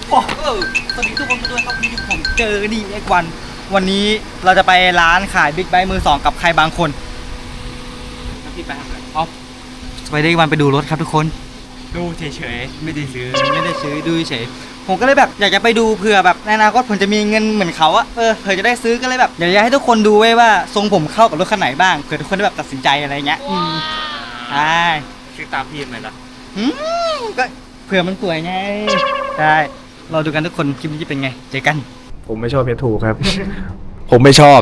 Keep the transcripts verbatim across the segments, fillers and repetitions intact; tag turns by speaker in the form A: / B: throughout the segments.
A: โอ้สวัสดีทุกคนด้วยครับวันนี้ผมเจอนี่เอ็กวันวันนี้เราจะไปร้านขายบิ๊กไบค์มือสองกับใครบางคนพี่ไปทำอะไรอ๋อไปได้วันไปดูรถครับทุกคนดูเฉยๆไม่ได้ซื้อไม่ได้ซื้อดูเฉยผมก็เลยแบบอยากจะไปดูเผื่อแบบในอนาคตผมจะมีเงินเหมือนเขาอะเออเผื่อจะได้ซื้อก็เลยแบบอยากจะให้ทุกคนดูไว้ว่าทรงผมเข้ากับรถคันไหนบ้างเผื่อทุกคนได้แบบตัดสินใจอะไรเงี้ยอืมใช่ซื้อตามพี่ไหมล่ะอืมก็เผื่อมันสวยไงใช่เราดูกันทุกคนคลิปนี้จะเป็นไงเจอกัน
B: ผมไม่ชอบเพชรถูกครับ ผมไม่ชอบ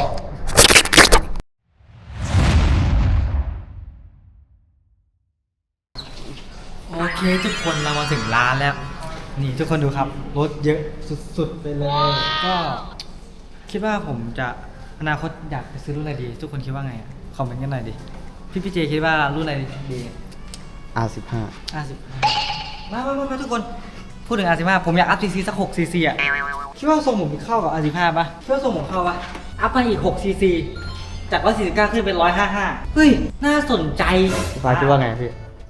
A: โอเคทุกคนเรามาถึงร้านแล้วนี่ทุกคนดูครับรถเยอะสุดๆไปเลยก็คิดว่าผมจะอนาคตอยากไปซื้อรุ่นอะไรดีทุกคนคิดว่าไงอ่ะคอมเมนต์กันหน่อยดิพี่พี่เจคิดว่ารุ่นอะไรดี
B: อาร์ สิบห้า
A: อาร์ สิบห้ามามามาทุกคนพูดถึง อาร์ สิบห้าผมอยากอัพซีซีสักหกซีซีอ่ะคิดว่าทรงผมเข้ากับ อาร์ สิบห้าป่ะคิดว่าทรงผมเข้าป่ะอัพมาอีกหกซีซีจากร้อยสี่สิบเก้าขึ้นเป็นร้อยห้าสิบห้าเฮ้ยน่าสนใจ
B: ฟ้าคิดว่าไงพี่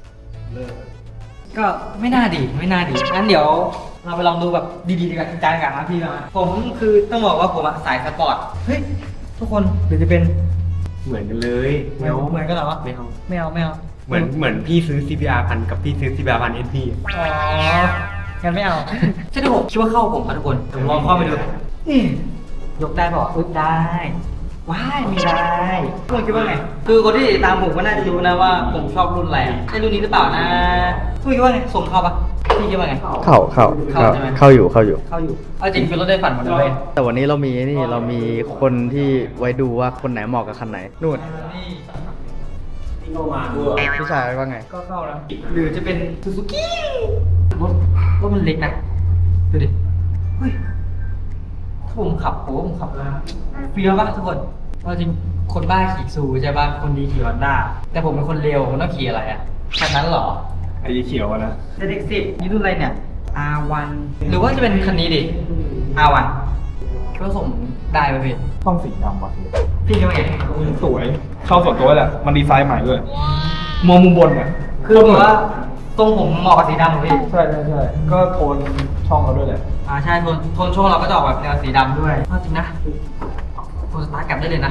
A: ก็ไม่น่าดีไม่น่าดีงั้นเดี๋ยวเราไปลองดูแบบดีๆดีกว่าจริงจังกันนะพี่นะผมคือต้องบอกว่าผมอะสายสปอร์ตเฮ้ยทุกคนหรือจะเป็น
B: เหมือนกันเลย
A: ไม่เอาเหมือนกันเหรอ
B: ไม่เอา
A: ไม่เอาไม่เอา
B: เหมือนเหมือนพี่ซื้อ ซี บี อาร์ พันกับพี่ซื้อ ซี บี อาร์ พันเอสพี
A: อ๋องั้นไม่เอาใช่ที่ผมคิดว่าเข้าผมครับทุกคนผมลองเข้าไปดูนี่ยกได้ป่ะอึดได้ว้ายมีได้ทุกคนคิดว่าไงคือคนที่ตามผมก็น่าจะรู้นะว่าผมชอบรุ่นอะไรใช่รุ่นนี้หรือเปล่านะทุกคนคิดว่าไงส่งเข้าปะพี่คิดว่าไง
B: เข้าเข้าเข้าเข้าอยู่เข้าอยู่
A: เข้าอยู่เอาจริงคือรถได้ฝันหมดเลย
B: แต่วันนี้เรามีนี่เรามีคนที่ไว้ดูว่าคนไหนเหมาะกับคันไหนนู่น
A: ที่เข้ามาด้วย
B: พี่ชายว่าไง
A: ก็เข้าแล้วหรือจะเป็นซูซูกิรถรถมันเล็กนะดูดิเฮ้ยผมขับโอ้ผมขับเฟี้ยวป่ะทุกคนว่าจริงคนบ้าขี่ซูใช่ป่ะคนดีขี่ฮอนด้าแต่ผมเป็นคนเร็วผมต้องขี่อะไรอ่ะคันนั้นหรอ
B: ไอ้เขียวนะ
A: เด็กสิบนี่รุ่นอะไรเนี่ย อาร์ วัน หรือว่าจะเป็นคันนี้ดิ อาร์ วันคิดว่าส่งได้ไหมพี่
B: ต้องสีดำว่ะ
A: พี่คิดว่าไง
B: สวยเข้าส่วนตัวแหละมันดีไซน์ใหม่ด้วยมองมุมบนอ่ะ
A: คือแบบว่าทรงผมเหมาะกับสีดำของพี่
B: ใช่ใช่ใช่ก็โทนช่องเราด้วยแหละ
A: อ่าใช่โทนโทนช่องเราก็จะออกแบบแนวสีดำด้วยจริงนะโทนสตาร์ทกลับได้เลยนะ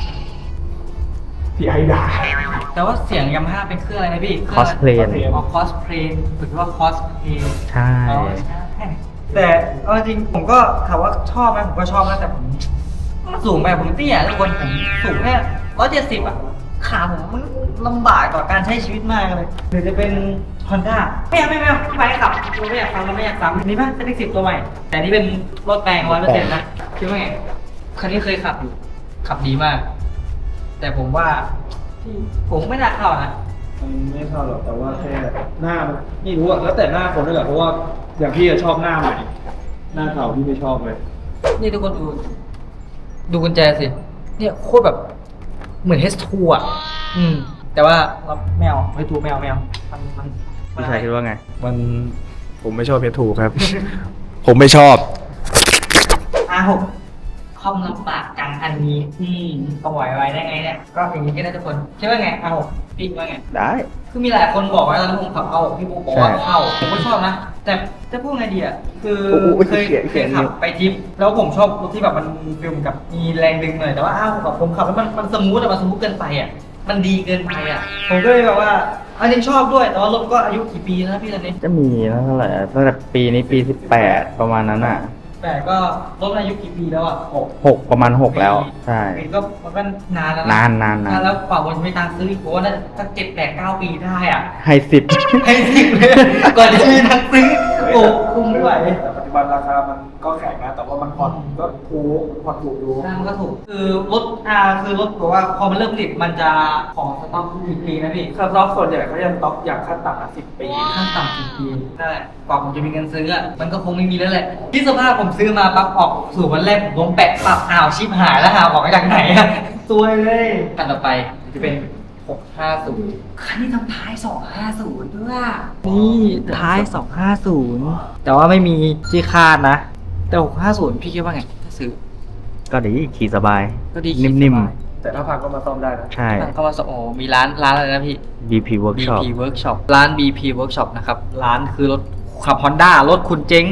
B: พี่ไอ้ด่า
A: แต่ว่าเสียงยามาฮ่าเป็นเครื่องอะไรนะพี่
B: คอสเพลน
A: อ๋อคอสเพลนถือว่าคอสเพลน
B: ใช่
A: แต่เอาจริงผมก็ถามว่าชอบไหมผมก็ชอบนะแต่ผมมันสูงไปผมเตี้ยทุกคนผมสูงแค่ร้อยเจ็ดสิบอ่ะขาผมมันลำบากต่อการใช้ชีวิตมากเลยหรือจะเป็น Honda ไม่เอาไม่เอาไม่ไปขับเราไม่อยากฟังเราไม่อยากซ้ำนี่ป่ะเซ็ตสิบตัวใหม่แต่นี่เป็นรถแปลงร้อยเปอร์เซ็นต์นะคิดว่าไงคันนี้เคยขับอยู่ขับดีมากแต่ผมว่าผมไม่น่าเข้านะ
B: ไม่เข้าหรอกแต่ว่าแค่หน้ามันไม่รู้อะแล้วแต่หน้าคนด้วยแหละเพราะว่าอย่างพี่ชอบหน้าใหม่หน้าเก่าพี่ไม่ชอบเลย
A: นี่ทุกคนดูดูกุญแจสิเนี่ยโคตรแบบเหมือน เอช ทู อ่ะอืมแต่ว่าเราแมวไม่ถูกแมวแมวมันมัน
B: พี่ชายคิดว่าไงมันผมไม่ชอบเพชรถูกครับ ผมไม่ชอบ
A: อาร์ หกคอมลำบากจังอันนี้อืมก็ไหวไว้ได้ไงเนี่ยก็อย่างนี้ก็ได้ทุกคนคิดว่าไง อาร์ หกพี่ว่าไง
B: ได้
A: คือมีหลายคนบอกว่าตอนนั้นผมขับเอาพี่บุ๊กบอกว่าเข้าผมก็ชอบนะแต่จะพูดไงดีอ่ะคือเคยเคยขับไปทริปแล้วผมชอบรถที่แบบมันฟิลเหมือนกับมีแรงดึงหน่อยแต่ว่าอ้าวแบบผมขับแล้วมันมันสมูทแต่มันสมูทเกินไปอ่ะมันดีเกินไปอ่ะผมก็เลยแบบว่าอันนี้ชอบด้วยแต่ว่ารถก็อายุกี่ปีแล้วพี่ตอนนี้
B: จะมีแล้วเท่าไหร่ตั้งแต่ปีนี้ปีสิบแปดประมาณนั้นอ่ะ
A: แต่ก็รถอายุกี่ปีแล้วอ่ะหก
B: หกประมาณหกแล้วใช่
A: ก็มันก็นานแล้ว
B: นานนานนาน
A: แล้วกว่าวันจะไม่ตังซื้ออีกผมว่าน่าจะเจ็ดแปดเก้าปีได้อ่ะ
B: ให้สิบ
A: ให้สิบเลยก่อนจะมีตังซื้อโอ้คุ้มไม่ไหว
B: แต่ปัจจุบันราคามันก็แข็งนะแต่ว่ามันผ่อนก็ถูกผ่อนถูกดู
A: ใช่มันก็ถูกคือรถอ่าคือรถบอกว่าพอมันเริ่มผลิตมันจะของสต็อกกี่ปีนะพี่
B: สต็อกส่วนใหญ่เขาจะสต็อกอย่างขั้นต่ำอ่ะสิบปี
A: ขั้นต่ำสิบปีนั่นแหละกว่าผมจะมีเงินซื้ออ่ะมันก็คงไม่มีแล้วแหละที่สภาพผมซื้อมาปั๊บออกสู่วันแรกผมลงแปะปรับอ้าวชิบหายแล้วหาของจากไหนอะซวยเลยคันต่อไปจะเป็นหกห้าศูนย์คันนี้ทำท้ายสองห้าศูนย์ด้วยนี่ท้ายสองห้าศูนย์แต่ว่าไม่มีที่คาดนะแต่หกห้าศูนย์พี่คิดว่าไงถ้าซื้อ
B: ก็ดีขี่สบาย
A: ก็ดี
B: นิ่มๆแต่ถ้าพังก็มาซ่อมได้นะ
A: ใช่เข้ามาซ่อมโอ้มีร้านร้านอะไรนะพี่
B: บี พี Workshop
A: บี พี Workshop ร้าน บี พี Workshop นะครับร้านคือรถขับ Honda รถคุณเจ๊ง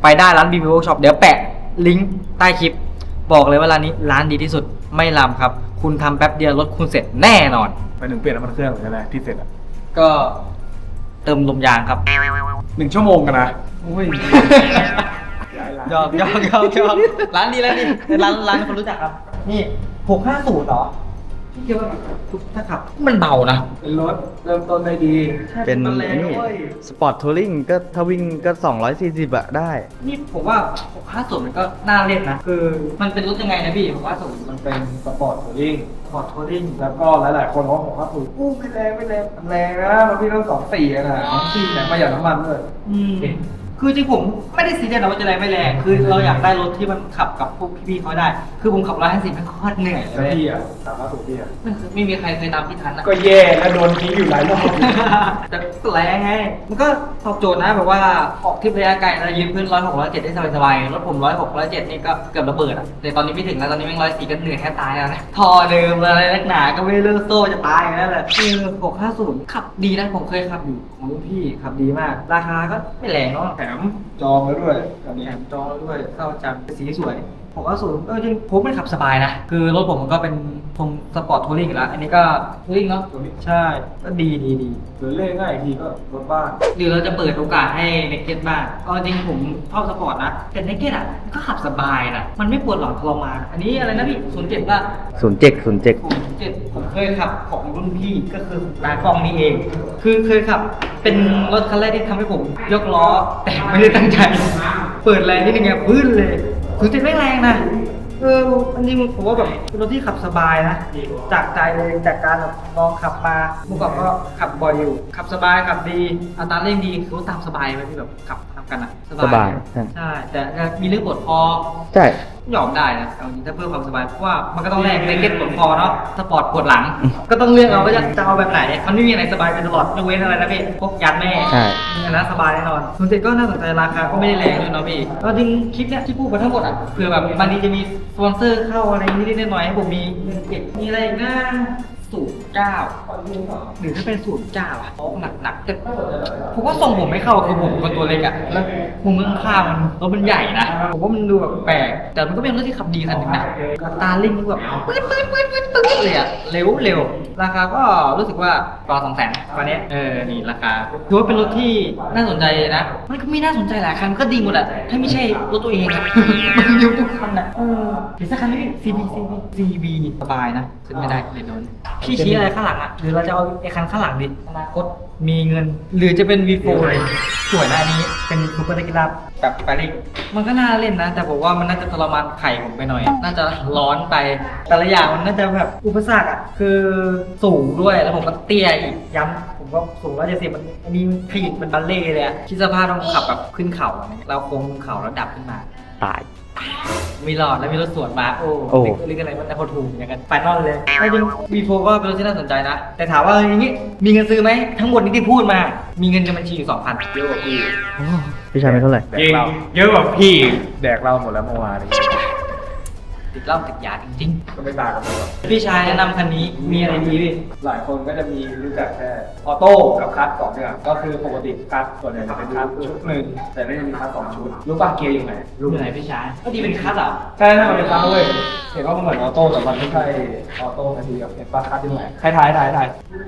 A: ไปได้ร้าน บี บี Workshop ช็อปเดี๋ยวแปะลิงก์ใต้คลิปบอกเลยว่าร้านนี้ร้านดีที่สุดไม่ลำครับคุณทำแป๊บเดียวรถคุณเสร็จแน่นอน
B: ไปถึงเปลี่ยนน้ำมันเครื่องหรืออะไรที่เสร็จอ่ะ
A: ก็เติมลมยางครับ
B: หนึ่งชั่วโมงกันนะ
A: อุ้ยยอกยอกยอกยอกร้านดีร้านดีร้านร้านคนรู้จักครับ นี่หกห้าศูนย์เหรอพี่คิดว่าถ้าขับมันเบานะ
B: เป็นรถเริ่มต้นได้ดี
C: เป็น
A: มันแรง
C: นี่
A: ด้วย
C: สปอร์ตทัวริงก็ถ้าวิ่งก็สองร้อยสี่สิบอะได้
A: นี่ผมว่าหกห้าศูนย์มันก็น่าเล่นนะ คือมันเป็นรถยังไงนะพี่หกห้าศูนย์
B: มันเป็นสปอร์ตทัวริง
A: พอร์ตทัวริง
B: แล้วก็หลาย ๆ คนเขาบอกว่าถูกอู้ไม่แรงไม่แรงมันแรงนะมันพี่ต้องสองสี่อะนะสองสี่แต่ประหยัดน้ำมันด้วย
A: อืมคือจริงผมไม่ได้ซีเรียสนะว่าจะแรงไม่แรง คือเราอยากได้รถที่มันขับกับพวกพี่ๆเขาได้ คือผมขับร้อยห้าสิบมันโคตรเหนื่อยเล
B: แล้ว
A: ย
B: พี่อ่ะสามารถถูกพี่อ่ะ
A: ไม่มีใครเคยตามพี่ทันนะ
B: ก็แย่แล้วโดนทิ้งอยู่หลายรอบ
A: แต่แรงไง มันก็ตอบโจทย์นะแบบว่าออกทริประยะไกลเรายืนพื้นร้อยหกร้อยเจ็ดได้สบายๆรถผมร้อยหกร้อยเจ็ดนี่ก็เกือบระเบิดอ่ะแต่ตอนนี้ไม่ถึงแล้วตอนนี้แม่งร้อยสี่ก็เหนื่อยแค่ตายแล้วนะทอเดิมอะไรนักหนาก็ไม่เลิกโซ่จะตายอยู่แล้วแหละคือหกห้าศูนย์ขับดีนะผมเคยขับอยู่ของรุ่นพี่ขับดีมาก ราคาก็ไม่แรงเนาะ
B: แถมจองแล้วด้วยอันนี้
A: แถมจอด้วยเข้าจังสีสวยผมว่าสูงเออจริงผมมันขับสบายนะ คือรถผมมันก็เป็นทรงสปอร์ตทัวริงอยู่แล้ว อันนี้ก็ทัวริงเนาะใช่ ก็ดีดีดี
B: หรือเล่นง่ายอีกทีก็รถบ้าน
A: หรือเราจะเปิดโอกาสให้เนกเก็ตบ้างก็จริงผมชอบสปอร์ตนะ แต่เนกเก็ตอ่ะก็ขับสบายนะมันไม่ปวดหลังทรมานอันนี้อะไรนะพี่ศูนย์เจ็ดป่ะ
C: ศูนย์เจ็ดศูนย์เจ็ด
A: ผมเจ็ดผมเคยขับของรุ่นพี่ก็คือร้านกล้องนี้เอง คือเคยขับเป็นรถคันแรกที่ทำให้ผมยกล้อ แต่ไม่ได้ตั้งใจ เปิดแรงนิดนึงไงพื้นเลยถึงจะไม่แรงนะเอออันนี้ผมว่าแบบเป็นรถที่ขับสบายนะ จากใจเลยจากการแบบลองขับมาเมื่อก่อนก็ขับบ่อยอยู่ ขับสบายขับดีอัตราเร่งดีคือว่าตามสบายไหมที่แบบขับทำกันอะ
C: สบายใช่
A: ใช่แต่มีเรื่องปวดคอ
C: ใช่
A: ยอมได้นะเอาจริงถ้าเพื่อความสบายเพราะว่ามันก็ต้องแลกในเก็ตปวดคอเนาะสปอร์ตปวดหลัง ก็ต้องเลือกเอาว่าจะจะเอาแบบไหนมันไม่มีอะไรสบายไปตลอดยกเว้นอะไรนะพี่พวกยันแม่
C: ใช่
A: อันนั้นสบายแน่นอนส่วนเจ็ดก็น่าสนใจราคาก็ไม่ได้แรงด้วยเนาะพี่ก็จริงคลิปเนี้ยที่พูดมาทั้งหมดอ่ะเผื่อแบบบางทีจะมีสปอนเซอร์เข้าอะไรนิดๆหน่อยๆให้ผมมีเงินเก็บมีอะไรอีกนะศูนย์เก้าหรือถ้าเป็นศูนย์เก้าอ่ะหนักหนักๆแต่ผมว่าทรงผมไม่เข้าคือผมเป็นคนตัวเล็กอ่ะแล้วมุมข้างๆมันรถมันใหญ่นะผมว่ามันดูแบบแปลกแต่มันก็เป็นรถที่ขับดีคันหนึ่งนะอัตราเร่งนี่แบบปื๊ดปื๊ดปื๊ดปื๊ดปื๊ดเลยอ่ะเร็วเร็วราคาก็รู้สึกว่าประมาณสองแสนตอนนี้เออนี่ราคาถือว่าเป็นรถที่น่าสนใจนะมันก็มีน่าสนใจหลายคันก็ดีหมดแหละถ้าไม่ใช่รถตัวเองอะ มันเร็วทุกคันอ่ะเออหรือสักคันนี้ ซี บี ซี บี ซี บี สบายนะขึ้นไม่ได้เดี๋ยวโดนพี่ชี้อะไรข้างหลังอ่ะหรือเราจะเอาไอ้คันข้างหลังดิอนาคตมีเงิน หรือจะเป็น วี โฟร์ เลยสวยนะอันนี้เป็นซูเปอร์เล็กลับแบบแฟริกมันก็น่าเล่นนะ แต่ผมว่ามันน่าจะทรมานไข่ผมไปหน่อย น่าจะร้อนไปแต่ละอย่างมันน่าจะแบบอุปสรรคอ่ะคือสูงด้วยแล้วผมก็เตี้ยอีกย้ำผมก็สูงร้อยเจ็ดสิบมันอันนี้มันขยิบมันบัลเล่เลยอะคิดสภาพต้องขับแบบขึ้นเขาอะไรเงี้ยเราโค้งลงเขาแล้วดับขึ้นมา
C: ตาย
A: มีหลอดแล้วมีรถสวนมาโอ้
C: โอ้
A: เรียกอะไรมันนะเขาถูกอย่างกันไฟนอลเลยจริงวีโฟก็เป็นรถที่น่าสนใจนะ แต่ถามว่าอย่างนี้มีเงินซื้อไหมทั้งหมดนี้ที่พูดมา มีเงินในบัญชีอยู่สองพันเยอะกว่าพี่
C: พี่ชายไม่เท่าไหร่
B: แดกเราเยอะกว่าพี่แดกเราหมดแล้วเมื่อวานนี้
A: ติดเหล้าติดยาจริง
B: ก็ไม่ต่างกันเลย
A: ๆ พี่ชายแนะนำคันนี้มีอะไรดีพี่
B: หลายคนก็จะมีรู้จักแค่ออโต้กับคัสสองอย่างก็คือปกติคัสส่วนใหญ่จะเป็นคัสชุดหนึ่งแต่ไม่ได้มีคัสสองชุดรู้ป่ะเกียร์อยู่ไหน
A: รู้ไหนพี่ชายก็ดีเป็นคัสอ่ะ
B: ใช่ถ้ามันเป็นคัสเว้ยเห็นว่ามันเหมือนออโต้แต่มันไม่ใช่ออโต้นาทีกับเห็นป่ะคัสอยู่ไหนใครท้ายท้ายท้าย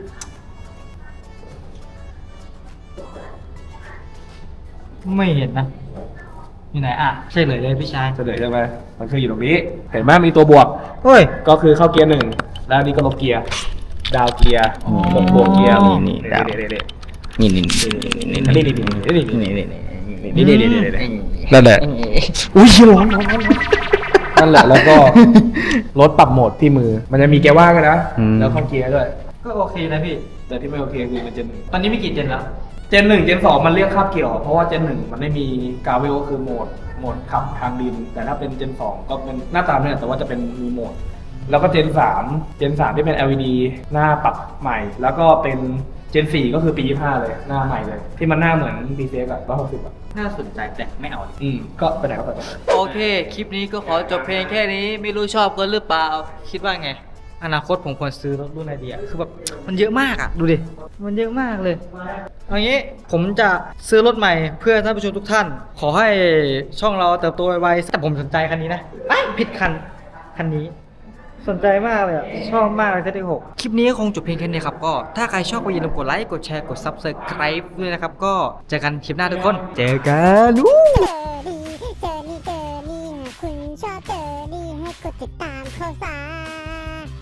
A: ไม่เห็นนะอยู่ไหนอ่ะใช่เลยเลยพี่ชาย
B: เฉลยใช่ไหมมันคืออยู่ตรงนี้ เห็นไหมมีตัวบวก
A: เฮ้ย
B: ก็คือเข้าเกียร์หนึ่งแล้วอันนี้ก็ลบเกียร์ดาวเกียร์
A: อ๋อ
B: ลบบวกเกียร์
C: นี่นี่ดาว
B: เด็ด
C: นี่นี่นี่นี่
B: นี่
C: นี่
B: นี่นี่นี่
C: นี่นี่
B: นี่นี่นี่นี่นี่
C: นั่นแหละอุ้ยร้อนร้อนร้อน
B: นั่นแหละแล้วก็รถปรับโหมดที่มือ มันจะมีเกียร์ว่างด้วยนะ
C: อืม
B: แล้วเข้าเกียร์ด้วย
A: ก็โอเคนะพี่
B: แต่ที่ไม่โอเคคือมันเจนหนึ่ง
A: ตอนนี้มีกี่เจนแล้ว
B: เจนหนึ่งเจนสองมันเรียกคาบเกี่ยว เพราะว่าเจนหนึ่งมันไม่มีกาเวลก็คือโหมดโหมดขับทางดิน แต่ถ้าเป็นเจนสองก็เป็นหน้าตามเนี่ยแต่ว่าจะเป็นมีโหมด แล้วก็เจนสามเจนสามที่เป็น แอล อี ดี หน้าปรับใหม่ แล้วก็เป็นเจนสี่ก็คือปียี่สิบห้าเลยหน้าใหม่เลย ที่มันหน้าเหมือน บี ซี เอ็กซ์ อะร้อยหกสิบอะ
A: น่าสนใจแต่ไม่เอา
B: อืมก็ไปไหนก็ไป
A: โอเค คลิปนี้ก็ขอจบเพลงแค่นี้ ไม่รู้ชอบกันหรือเปล่า คิดว่าไงอนาคตผมควรซื้อรถรุ่นไหนดีอะคือแบบมันเยอะมากอะดูดิมันเยอะมากเลยเอางี้ผมจะซื้อรถใหม่เพื่อท่านผู้ชมทุกท่าน ขอให้ช่องเราเติบโตไวๆแต่ผมสนใจคันนี้นะเอ้ยผิดคันคันนี้ สนใจมากเลยอะชอบมากเลยเซตหกคลิปนี้ก็คงจบเพียงแค่นี้ครับก็ถ้าใครชอบก็อย่าลืมกดไลค์กดแชร์กด ซับสไครบ์ ด้วยนะครับก็เจอกันคลิปหน้าทุกคนเจอกัน